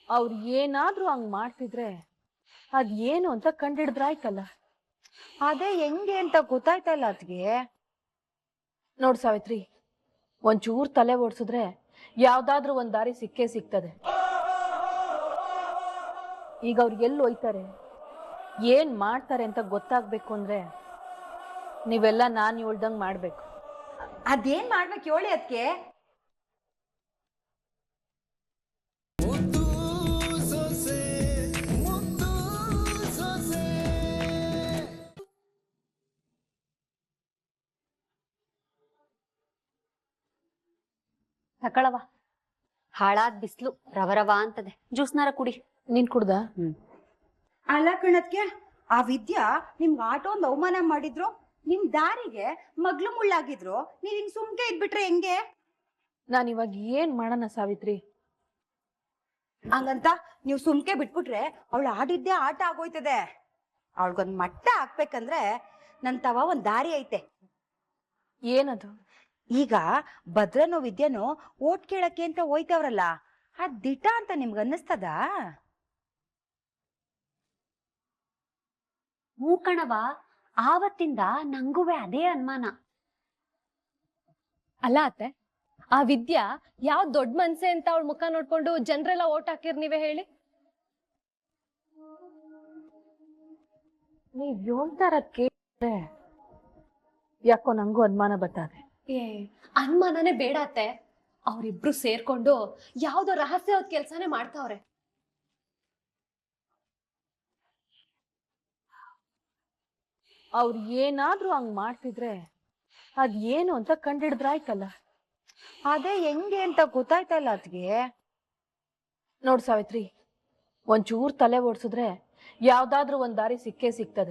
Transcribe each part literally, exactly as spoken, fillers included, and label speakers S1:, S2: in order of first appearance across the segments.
S1: ಅವ್ರು ಏನಾದ್ರೂ ಹಂಗ್ ಮಾಡ್ತಿದ್ರೆ ಅದ್ ಏನು ಅಂತ ಕಂಡಿಡಿದ್ರಾಯ್ತಲ್ಲ.
S2: ಅದೇ ಹೆಂಗೆ ಅಂತ ಗೊತ್ತಾಯ್ತಲ್ಲ ಅದ್ಗೆ.
S1: ನೋಡ್ ಸಾವಿತ್ರಿ, ಒಂಚೂರ್ ತಲೆ ಓಡಿಸಿದ್ರೆ ಯಾವ್ದಾದ್ರೂ ಒಂದ್ ದಾರಿ ಸಿಕ್ಕೇ ಸಿಗ್ತದೆ. ಈಗ ಅವ್ರು ಎಲ್ಲಿ ಹೋಯ್ತಾರೆ, ಏನ್ ಮಾಡ್ತಾರೆ ಅಂತ ಗೊತ್ತಾಗ್ಬೇಕು ಅಂದ್ರೆ ನೀವೆಲ್ಲ ನಾನ್ ಹೇಳ್ದಂಗ್ ಮಾಡ್ಬೇಕು.
S2: ಅದೇನ್ ಮಾಡ್ಬೇಕು ಹೇಳಿ ಅದಕ್ಕೆ.
S3: ತಕಳವ, ಹಾಳಾದ್ ಬಿಸ್ಲು ರವರವ ಅಂತದೆ, ಜ್ಯೂಸ್ನಾರ ಕುಡಿ.
S1: ನೀನ್ ಕುಡ್ದ?
S3: ಹ್ಮ್.
S2: ಅಲ್ಲ ಕಣದ್ಕೆ, ಆ ವಿದ್ಯಾ ನಿಮ್ಗೆ ಆಟೋ ಒಂದು ಅವಮಾನ ಮಾಡಿದ್ರು, ನಿಮ್ ದಾರಿಗೆ ಮಗ್ಲು ಮುಳ್ಳಾಗಿದ್ರು, ನೀವ್ ಹಿಂಗ್ ಸುಮ್ಕೆ ಇದ್ಬಿಟ್ರೆ ಹೆಂಗೆ?
S1: ನಾನ್ ಇವಾಗ ಏನ್ ಮಾಡೋಣ ಸಾವಿತ್ರಿ?
S2: ಹಂಗಂತ ನೀವ್ ಸುಮ್ಕೆ ಬಿಟ್ಬಿಟ್ರೆ ಅವಳು ಆಡಿದ್ದೇ ಆಟ ಆಗೋಯ್ತದೆ. ಅವಳಿಗೊಂದ್ ಮಟ್ಟ ಹಾಕ್ಬೇಕಂದ್ರೆ ನನ್ ತವ ಒಂದ್ ದಾರಿ ಐತೆ.
S1: ಏನದು?
S2: ಈಗ ಭದ್ರನೋ ವಿದ್ಯಾನೋ ಓಟ್ ಕೇಳಕ್ಕೆ ಅಂತ ಹೋಯ್ತವ್ರಲ್ಲ, ಅದ್ ದಿಟ ಅಂತ ನಿಮ್ಗೆ ಅನ್ನಿಸ್ತದ?
S3: ಹೂ ಕಣವ, ಆವತ್ತಿಂದ ನಂಗುವೆ ಅದೇ ಅನುಮಾನ.
S4: ಅಲ್ಲ ಅತ್ತೆ, ಆ ವಿದ್ಯಾ ಯಾವ ದೊಡ್ಡ ಮನ್ಸೆ ಅಂತ ಅವಳ ಮುಖ ನೋಡ್ಕೊಂಡು ಜನರೆಲ್ಲ ಓಟ್ ಹಾಕಿರ್ ನೀವೇ ಹೇಳಿ.
S1: ನೀವ್ ಹೇಳ್ತಾರ ಕೇಳಿದ್ರೆ ಯಾಕೋ ನಂಗೂ ಅನುಮಾನ ಬರ್ತದೆ.
S4: ಏ ಅನುಮಾನನೇ ಬೇಡ ಅತ್ತೆ, ಅವ್ರಿಬ್ರು ಸೇರ್ಕೊಂಡು ಯಾವ್ದೋ ರಹಸ್ಯವಾದ ಕೆಲ್ಸನೇ ಮಾಡ್ತಾವ್ರೆ.
S1: ಅವ್ರು ಏನಾದ್ರೂ ಹಂಗ್ ಮಾಡ್ತಿದ್ರೆ ಅದ್ ಏನು ಅಂತ ಕಂಡಿಡಿದ್ರಾಯ್ತಲ್ಲ.
S2: ಅದೇ ಹೆಂಗೆ ಅಂತ ಗೊತ್ತಾಯ್ತಲ್ಲ ಅದ್ಗೆ.
S1: ನೋಡ್ ಸಾವಿತ್ರಿ, ಒಂಚೂರ್ ತಲೆ ಓಡಿಸಿದ್ರೆ ಯಾವ್ದಾದ್ರೂ ಒಂದ್ ದಾರಿ ಸಿಕ್ಕೇ ಸಿಗ್ತದೆ.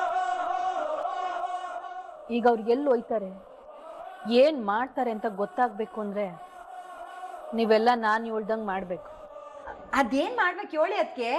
S1: ಈಗ ಅವ್ರು ಎಲ್ಲಿ ಹೋಯ್ತಾರೆ, ಏನ್ ಮಾಡ್ತಾರೆ ಅಂತ ಗೊತ್ತಾಗ್ಬೇಕು ಅಂದ್ರೆ ನೀವೆಲ್ಲ ನಾನ್ ಹೇಳ್ದಂಗ್ ಮಾಡ್ಬೇಕು.
S2: ಅದೇನ್ ಮಾಡ್ಬೇಕು ಹೇಳಿ ಅದಕ್ಕೆ.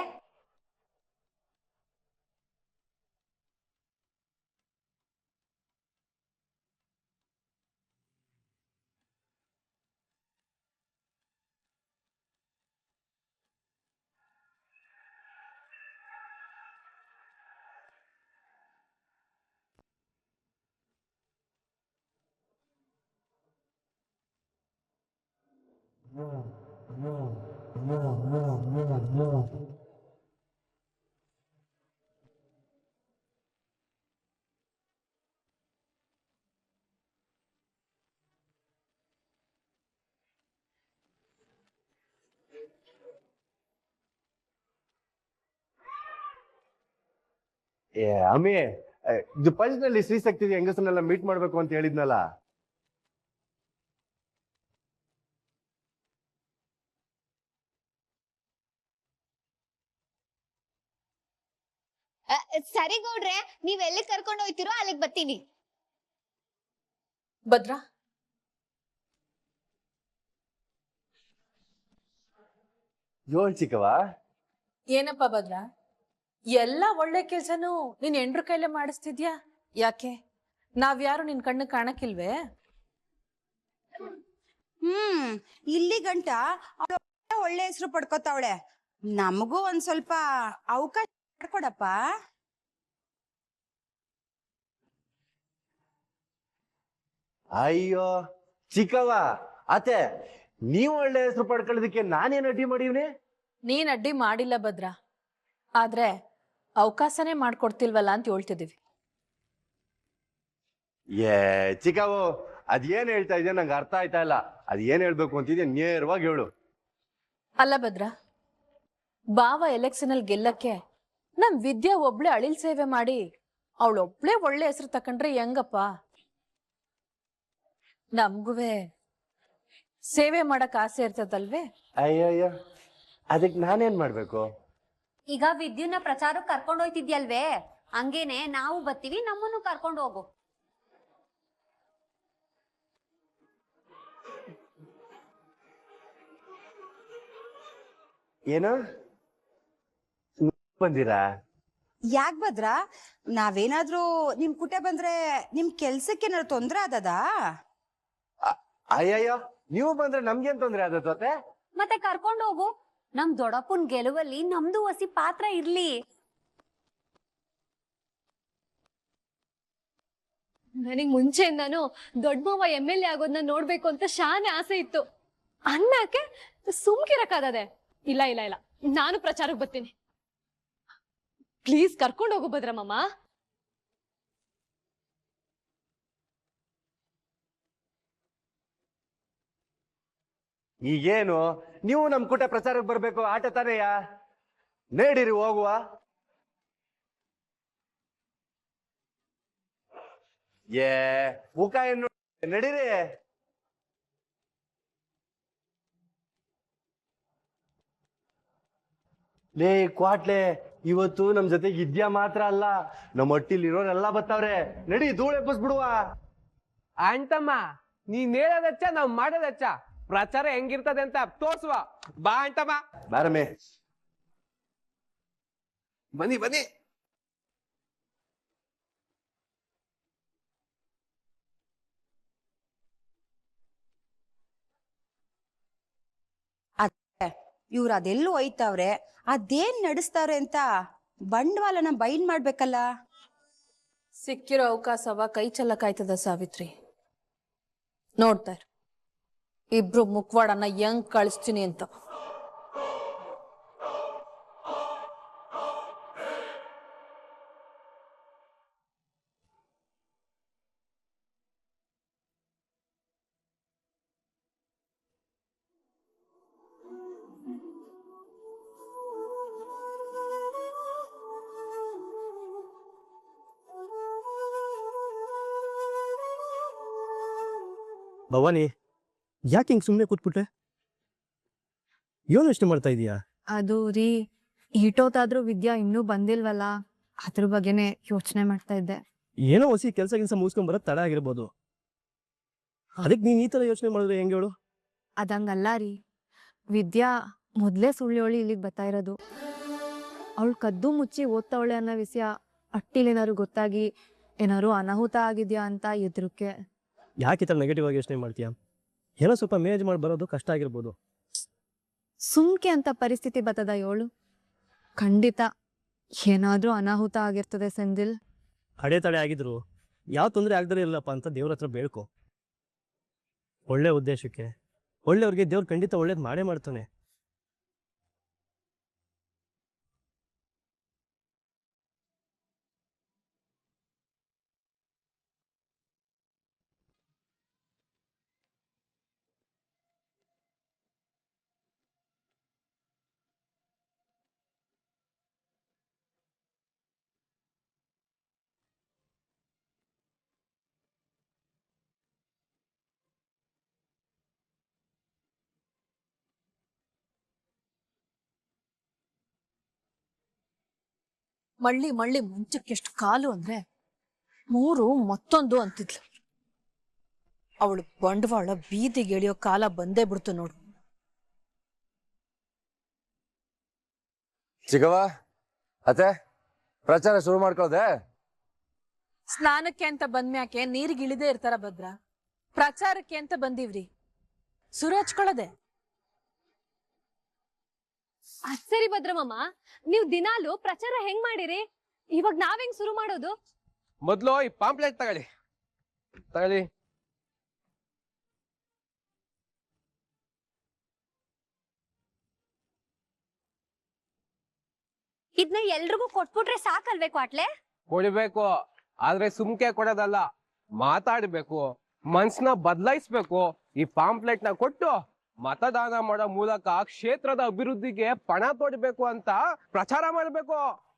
S5: ಏ ಅಮ್ಮಿ, ಇದು ಪಂಚ್ನಲ್ಲಿ ಶ್ರೀ ಶಕ್ತಿ ಹೆಂಗಸನ್ನೆಲ್ಲ ಮೀಟ್ ಮಾಡ್ಬೇಕು ಅಂತ ಹೇಳಿದ್ನಲ್ಲ.
S6: ಸರಿ ಗೌಡ್ರೆ, ನೀವ್ ಎಲ್ಲಿ ಕರ್ಕೊಂಡು ಹೋಯ್ತಿರೋ ಅಲ್ಲಿಗೆ ಬರ್ತೀನಿ.
S1: ಭದ್ರಾ,
S5: ಯೋಳ್ ಚಿಕ್ಕವ.
S1: ಏನಪ್ಪ ಭದ್ರಾ, ಎಲ್ಲ ಒಳ್ಳೆ ಕೆಲ್ಸನೂ ನೀನ್ ಎಂಡ್ರ ಕೈಲೇ ಮಾಡಿಸ್ತಿದ್ಯಾ? ಯಾಕೆ, ನಾವ್ಯಾರು ನಿನ್ ಕಣ್ಣು ಕಾಣಕ್ಕಿಲ್ವೇ?
S2: ಹ್ಮ್ ಇಲ್ಲಿ ಗಂಟ ಅವ್ಳು ಒಳ್ಳೆ ಹೆಸರು ಪಡ್ಕೋತಾವಳೆ. ನಮಗೂ ಒಂದ್ ಸ್ವಲ್ಪ ಅವಕಾಶ ಮಾಡ್ಕೊಡಪ್ಪ.
S5: ಅಯ್ಯೋ ಚಿಕ್ಕವ, ಅತ್ತೆ ನೀವು ಒಳ್ಳೆ ಹೆಸರು ಪಡ್ಕೊಳ್ಳೋದಕ್ಕೆ ನಾನೇನ್ ಅಡ್ಡಿ ಮಾಡೀವ್ನಿ?
S1: ನೀನ್ ಅಡ್ಡಿ ಮಾಡಿಲ್ಲ ಭದ್ರಾ, ಆದ್ರೆ ಅವಕಾಶನೇ ಮಾಡ್ಕೊಡ್ತಿಲ್ವಲ್ಲ ಅಂತ ಹೇಳ್ತಿದೀವಿ.
S5: ಏ ಚಿಕ್ಕವು, ಅದೇನ್ ಹೇಳ್ತಾ ಇದೆಯಾ ನಂಗೆ ಅರ್ಥ ಆಯ್ತಾ ಇಲ್ಲ. ಅದ್ ಏನ್ ಹೇಳ್ಬೇಕು ಅಂತಿದ್ಯಾ ನೇರವಾಗಿ ಹೇಳು.
S1: ಅಲ್ಲ ಭದ್ರಾ, ಬಾವ ಎಲೆಕ್ಷನ್ ಅಲ್ಲಿ ಗೆಲ್ಲಕ್ಕೆ ನಮ್ ವಿದ್ಯಾ ಒಬ್ಳೆ ಅಳಿಲ್ ಸೇವೆ ಮಾಡಿ ಅವಳೊಬ್ಳೆ ಒಳ್ಳೆ ಹೆಸರು ತಕೊಂಡ್ರೆ ಹೆಂಗಪ್ಪ? ನಮ್ಗುವೆ ಸೇವೆ ಮಾಡಕ್ ಆಸೆ ಇರ್ತದಲ್ವೇ?
S5: ಅಯ್ಯಯ್ಯ, ಅದಕ್ಕೆ ನಾನೇನ್ ಮಾಡ್ಬೇಕು?
S3: ಈಗ ವಿದ್ಯುನ್ನ ಪ್ರಚಾರಕ್ಕೆ ಕರ್ಕೊಂಡು ಹೋಯ್ತಿದ್ಯಲ್ವೇ, ಹಂಗೇನೆ ನಾವು ಬರ್ತೀವಿ, ನಮ್ಮನ್ನು ಕರ್ಕೊಂಡು ಹೋಗು.
S5: ಏನು ಬಂದಿರಾ?
S2: ಯಾಕ್ ಭದ್ರ, ನಾವೇನಾದ್ರೂ ನಿಮ್ ಕುಟೆ ಬಂದ್ರೆ ನಿಮ್ ಕೆಲ್ಸಕ್ಕೆ ಏನಾದ್ರು ತೊಂದ್ರೆ ಆದದ?
S5: ಅಯ್ಯಯ್ಯೋ, ನೀವು ಬಂದ್ರೆ ನಮ್ಗೇನ್ ತೊಂದ್ರೆ ಆದತ್ತೆ?
S3: ಮತ್ತೆ ಕರ್ಕೊಂಡು ಹೋಗು, ನಮ್ ದೊಡ್ಡಪ್ಪನ್ ಗೆಲುವಲ್ಲಿ ನಮ್ದು ಹೊಸಿ ಪಾತ್ರ ಇರ್ಲಿ.
S4: ನನಗ್ ಮುಂಚೆಯಿಂದಾನು ದೊಡ್ಡ ಮಾವ ಎಮ್ ಎಲ್ ಎ ಆಗೋದನ್ನ ನೋಡ್ಬೇಕು ಅಂತ ಶಾನೆ ಆಸೆ ಇತ್ತು. ಅನ್ನಕ್ಕೆ ಸುಮ್ಕಿರಕ್ಕಾಗದೆ. ಇಲ್ಲ ಇಲ್ಲ ಇಲ್ಲ, ನಾನು ಪ್ರಚಾರಕ್ಕೆ ಬರ್ತೀನಿ. ಪ್ಲೀಸ್ ಕರ್ಕೊಂಡು ಹೋಗು ಭದ್ರಮ್ಮ.
S5: ಈಗೇನು ನೀವು ನಮ್ ಕೂಟ ಪ್ರಚಾರಕ್ಕೆ ಬರ್ಬೇಕು, ಆಟ ತಾನೆಯ ನೇಡಿರಿ ಹೋಗುವ. ಏ ಮುಖ ಏನು ನಡೀರಿ. ಲೇ ಕ್ವಾಟ್ಲೆ, ಇವತ್ತು ನಮ್ ಜೊತೆಗೆ ಇದ್ಯಾ ಮಾತ್ರ ಅಲ್ಲ, ನಮ್ಮ ಹೊಟ್ಟಿಲ್ ಇರೋರೆಲ್ಲ ಬತ್ತವ್ರೆ. ನಡಿ ಧೂಳು ಎಬ್ಬಿಸ್ಬಿಡುವ.
S7: ಅಂತಮ್ಮ ನೀನ್ ಹೇಳೋದಚ್ಚ ನಾವ್ ಮಾಡೋದಚ್ಚ. ಪ್ರಚಾರ ಹೆಂಗಿರ್ತದೆ ಅಂತ ತೋರ್ಸುವ ಬಾ ಅಂತಮ್ಮ.
S5: ಬಾರಮೆ
S7: ಬನ್ನಿ ಬನ್ನಿ.
S2: ಇವ್ರು ಅದೆಲ್ಲೂ ಒಯ್ತಾವ್ರೆ, ಅದೇನ್ ನಡೆಸ್ತಾವ್ರೆ ಅಂತ ಬಂಡವಾಳನ ಬೈಂಡ್ ಮಾಡ್ಬೇಕಲ್ಲ.
S1: ಸಿಕ್ಕಿರೋ ಅವಕಾಶವ ಕೈ ಚೆಲ್ಲಕ್ಕಾಯ್ತದ ಸಾವಿತ್ರಿ? ನೋಡ್ತಾರ ಇಬ್ರು ಮುಖವಾಡನ್ನ ಹೆಂಗ್ ಕಳಿಸ್ತೀನಿ ಅಂತ.
S8: ಭವಾನಿ, ಯಾಕೆ ಹಿಂಗ್ ಸುಮ್ಮನೆ ಕೂತ್ಬಿಟ್ಟೆ? ಏನು ಯೋಚನೆ ಮಾಡ್ತಾ ಇದೀಯಾ?
S9: ಅದು ರೀ, ಈಟೋತಾದ್ರೂ ವಿದ್ಯಾ ಇನ್ನೂ ಬಂದಿಲ್ವಲ್ಲ, ಅದ್ರ ಬಗ್ಗೆನೆ ಯೋಚನೆ ಮಾಡ್ತಾ ಇದ್ದೆ.
S8: ಏನೋ ಹೊಸಿ ಕೆಲಸ ಕೆಲಸ ಮುಗಿಸ್ಕೊಂಡ್ ಬರೋದ್ ತಡ ಆಗಿರ್ಬೋದು, ಅದಕ್ಕೆ ನೀನ್ ಈ ತರ ಯೋಚನೆ ಮಾಡಿದ್ರೆ ಹೆಂಗೆ ಹೇಳು?
S9: ಅದಂಗಲ್ಲ ರೀ, ವಿದ್ಯಾ ಮೊದ್ಲೇ ಸುಳ್ಳಿಯೋಳಿ ಇಲ್ಲಿಗೆ ಬರ್ತಾ ಇರೋದು. ಅವಳು ಕದ್ದು ಮುಚ್ಚಿ ಓದ್ತಾವಳೆ ಅನ್ನೋ ವಿಷಯ ಅಟ್ಟಿಲೇನಾದ್ರು ಗೊತ್ತಾಗಿ ಏನಾದ್ರು ಅನಾಹುತ ಆಗಿದ್ಯಾ ಅಂತ ಎದುರುಕ್ಕೆ.
S8: ಯಾಕೆ ಈ ತರ ನೆಗೆಟಿವ್ ಆಗಿ ಯೋಚನೆ ಮಾಡ್ತೀಯಾ? ಏನೋ ಸ್ವಲ್ಪ ಮೇನೇಜ್ ಮಾಡಿ ಬರೋದು ಕಷ್ಟ ಆಗಿರ್ಬೋದು.
S9: ಸುಮ್ಕೆ ಅಂತ ಪರಿಸ್ಥಿತಿ ಬರ್ತದ ಯೋಳು? ಖಂಡಿತ ಏನಾದ್ರೂ ಅನಾಹುತ ಆಗಿರ್ತದೆ ಸೆಂದಿಲ್.
S8: ಅಡೆತಡೆ ಆಗಿದ್ರು ಯಾವ ತೊಂದರೆ ಆಗದೇ ಇರಲ್ಲಪ್ಪ ಅಂತ ದೇವ್ರ ಹತ್ರ ಬೇಡ್ಕೊ. ಒಳ್ಳೆ ಉದ್ದೇಶಕ್ಕೆ ಒಳ್ಳೆಯವ್ರಿಗೆ ದೇವ್ರು ಖಂಡಿತ ಒಳ್ಳೇದು ಮಾಡೇ ಮಾಡ್ತಾನೆ.
S1: ಮಳ್ಳಿ ಮಳ್ಳಿ ಮುಂಚಕ್ಕೆಷ್ಟು ಕಾಲು ಅಂದ್ರೆ ಮೂರು ಮತ್ತೊಂದು ಅಂತಿದ್ಲು. ಅವಳು ಬಂಡವಾಳ ಬೀದಿಗೆ ಎಳಿಯೋ ಕಾಲ ಬಂದೇ ಬಿಡ್ತು ನೋಡು.
S5: ಚಿಗವ ಅತ್ತೆ, ಪ್ರಚಾರ ಶುರು ಮಾಡ್ಕೊಳ್ಳೋದೆ?
S1: ಸ್ನಾನಕ್ಕೆ ಅಂತ ಬಂದ್ಮ್ಯಾಕೆ ನೀರಿಗೆ ಇಳಿದೇ ಇರ್ತಾರ ಭದ್ರ? ಪ್ರಚಾರಕ್ಕೆ ಅಂತ ಬಂದೀವ್ರಿ, ಸುರು ಹಚ್ಕೊಳ್ಳೋದೆ.
S4: ಅದ್ ಸರಿ ಭದ್ರಮ್ಮ, ನೀವ್ ದಿನಾಲು ಪ್ರಚಾರ ಹೆಂಗ್ ಮಾಡಿರಿ? ಇವಾಗ ನಾವ್ ಹೆಂಗ್ ಶುರು ಮಾಡೋದು?
S7: ಮೊದ್ಲು ಈ ಪಾಂಪ್ಲೆಟ್ ತಗೊಳ್ಳಿ ತಗೊಳ್ಳಿ.
S3: ಇದನ್ನ ಎಲ್ರಿಗೂ ಕೊಟ್ಬಿಟ್ರೆ ಸಾಕಲ್ವೇ ಕ್ವಾಟ್ಲೆ?
S7: ಕೊಡ್ಬೇಕು, ಆದ್ರೆ ಸುಮ್ಕೆ ಕೊಡೋದಲ್ಲ, ಮಾತಾಡ್ಬೇಕು, ಮನ್ಸ್ನ ಬದಲಾಯಿಸ್ಬೇಕು. ಈ ಪಾಂಪ್ಲೆಟ್ ನ ಕೊಟ್ಟು ಮತದಾನ ಮಾಡೋ ಮೂಲಕ ಕ್ಷೇತ್ರದ ಅಭಿವೃದ್ಧಿಗೆ ಪಣ ತೊಡಬೇಕು ಅಂತ ಪ್ರಚಾರ ಮಾಡ್ಬೇಕು.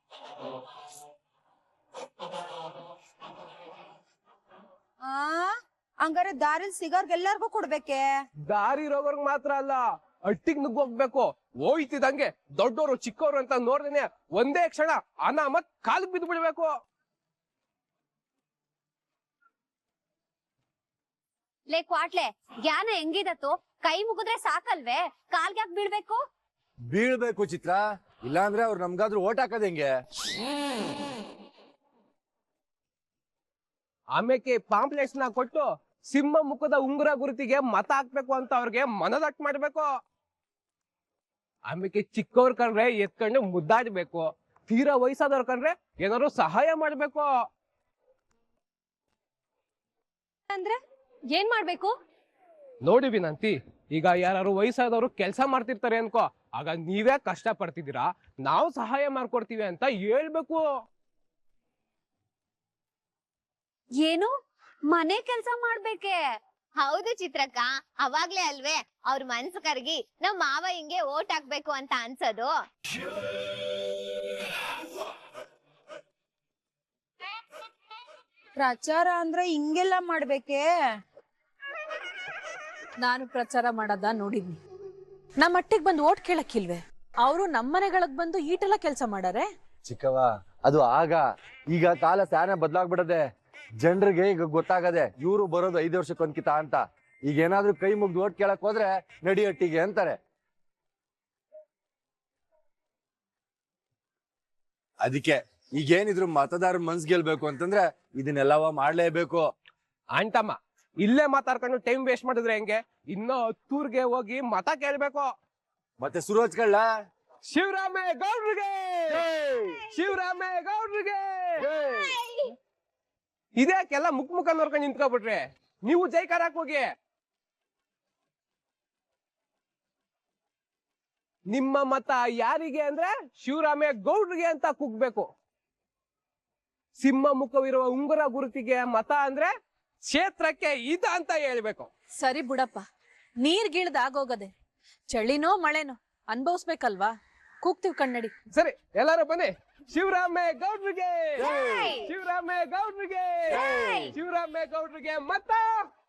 S2: ಆ ಹಂಗಾರೆ ದಾರಿಲ್ ಸಿಗೋರ್ಗೆಲ್ಲರಿಗೂ ಕೊಡ್ಬೇಕೆ?
S7: ದಾರಿ ರೋಗರ್ಗ್ ಮಾತ್ರ ಅಲ್ಲ, ಅಟ್ಟಿಗ್ ನುಗ್ಗೋಗ್ಬೇಕು. ಹೋಯ್ತಿದಂಗೆ ದೊಡ್ಡೋರು ಚಿಕ್ಕವರು ಅಂತ ನೋಡ್ದೇನೆ ಒಂದೇ ಕ್ಷಣ ಅನಾಮತ್ ಕಾಲಿಗೆ ಬಿದ್ದು ಬಿಡ್ಬೇಕು.
S3: ಲೇ ಕ್ವಾಟ್ಲೆ, ಜ್ಞಾನ ಹೆಂಗಿದತ್ತು? ಕೈ ಮುಗಿದ್ರೆ ಸಾಕಲ್ವೇ, ಕಾಲ್ಗೆ ಯಾಕೆ ಬೀಳ್ಬೇಕು?
S5: ಬೀಳ್ಬೇಕು ಚಿತ್ರ, ಇಲ್ಲಾಂದ್ರೆ ಅವ್ರು ನಮ್ಗಾದ್ರೂ ಓಟ್ ಹಾಕೋದ್ ಹೆಂಗೆ?
S7: ಆಮೇಲೆ ಪಾಂಪ್ಲೆಟ್ಸ್ ನ ಕೊಟ್ಟು ಸಿಂಹ ಮುಖದ ಉಂಗುರ ಗುರುತಿಗೆ ಮತ ಹಾಕ್ಬೇಕು ಅಂತ ಅವ್ರಿಗೆ ಮನದಟ್ಟು ಮಾಡ್ಬೇಕು. ಆಮೇಲೆ ಚಿಕ್ಕವ್ರ ಕಂಡ್ರೆ ಎತ್ಕೊಂಡು ಮುದ್ದಾಡ್ಬೇಕು, ತೀರಾ ವಯಸ್ಸಾದವ್ರ ಕಂಡ್ರೆ ಏನಾದ್ರು ಸಹಾಯ ಮಾಡ್ಬೇಕು.
S4: ಅಂದ್ರೆ ಏನ್ ಮಾಡ್ಬೇಕು?
S7: ನೋಡಿ ವಿನಂತಿ, ಈಗ ಯಾರು ವಯಸ್ಸಾದವರು ಕೆಲಸ ಮಾಡ್ತಿರ್ತಾರೆ ಅನ್ಕೋ, ಆಗ ನೀವೇ ಕಷ್ಟ ಪಡ್ತಿದ್ದೀರಾ, ನಾವು ಸಹಾಯ ಮಾಡ್ಕೊಡ್ತೀವಿ ಅಂತ ಹೇಳ್ಬೇಕು.
S3: ಏನು ಮನೆ ಕೆಲ್ಸ ಮಾಡ್ಬೇಕೆ?
S6: ಹೌದು ಚಿತ್ರಕ್ಕ, ಅವಾಗ್ಲೇ ಅಲ್ವೇ ಅವ್ರ ಮನ್ಸು ಕರ್ಗಿ ನಮ್ ಮಾವ ಹಿಂಗೆ ಓಟ್ ಹಾಕ್ಬೇಕು ಅಂತ ಅನ್ಸೋದು.
S2: ಪ್ರಚಾರ ಅಂದ್ರೆ ಹಿಂಗೆಲ್ಲ ಮಾಡ್ಬೇಕೆ?
S1: ನಾನು ಪ್ರಚಾರ ಮಾಡದ ನೋಡಿದ್ನಿ. ನಮ್ಮ ಮಟ್ಟಿಗೆ ಬಂದು ಓಟ್ ಕೇಳಕ್ಕಿಲ್ವೇ? ಅವರು ನಮ್ಮನೆಗಳಿಗೆ ಬಂದು ಈಟೆಲ್ಲ ಕೆಲಸ ಮಾಡಾರೆ.
S5: ಚಿಕ್ಕವ, ಅದು ಆಗ. ಈಗ ಕಾಲ ಸ್ಯಾನೆ ಬದಲಾಗ್ಬಿಡದೆ. ಜನರಿಗೆ ಈಗ ಗೊತ್ತಾಗದೆ ಇವ್ರು ಬರೋದು ಐದು ವರ್ಷಕ್ಕೊಂದ್ಕಿತ ಅಂತ. ಈಗ ಏನಾದ್ರೂ ಕೈ ಮುಗ್ದು ಓಟ್ ಕೇಳಕ್ ಹೋದ್ರೆ ನಡಿಯಟ್ಟಿಗೆ ಅಂತಾರೆ. ಅದಕ್ಕೆ ಈಗೇನಿದ್ರು ಮತದಾರ ಮನ್ಸ್ ಗೆಲ್ಬೇಕು ಅಂತಂದ್ರೆ ಇದನ್ನೆಲ್ಲವ ಮಾಡ್ಲೇಬೇಕು.
S7: ಅಂಟಮ್ಮ, ಇಲ್ಲೇ ಮಾತಾಡ್ಕೊಂಡು ಟೈಮ್ ವೇಸ್ಟ್ ಮಾಡಿದ್ರೆ ಹೆಂಗೆ? ಇನ್ನೂ ಹತ್ತೂರ್ಗೆ ಹೋಗಿ ಮತ ಕೇಳ್ಬೇಕು.
S5: ಮತ್ತೆ ಸುರೋಜ್ಗಳ್
S7: ಶಿವರಾಮೇ ಗೌಡ್ರಿಗೆ, ಶಿವರಾಮೇ ಗೌಡ್ರಿಗೆ. ಇದ್ಯಾಕೆಲ್ಲ ಮುಖ ಮುಖ ನೋಡ್ಕೊಂಡು ನಿಂತ್ಕೊಬಿಟ್ರೆ? ನೀವು ಜೈಕಾರಕ್ ಹೋಗಿ. ನಿಮ್ಮ ಮತ ಯಾರಿಗೆ ಅಂದ್ರೆ ಶಿವರಾಮೇ ಗೌಡ್ರಿಗೆ ಅಂತ ಕೂಗ್ಬೇಕು. ಸಿಂಹ ಮುಖವಿರುವ ಉಂಗುರ ಗುರುತಿಗೆ ಮತ ಅಂದ್ರೆ ಕ್ಷೇತ್ರಕ್ಕೆ ಇದ ಅಂತ ಹೇಳ್ಬೇಕು.
S1: ಸರಿ ಬಿಡಪ್ಪ, ನೀರ್ಗಿಳ್ದ ಆಗೋಗದೆ. ಚಳಿನೋ ಮಳೆನೋ ಅನ್ಭವಿಸ್ಬೇಕಲ್ವಾ? ಕೂಗ್ತೀವಿ ಕಣ್ಣಡಿ.
S7: ಸರಿ, ಎಲ್ಲಾರು ಬನ್ನಿ. ಶಿವರಾಮೇ ಗೌಡ್ರಿಗೆ, ಶಿವರಾಮೇ ಗೌಡ್ರಿಗೆ, ಶಿವರಾಮೇ ಗೌಡ್ರಿಗೆ ಮತ.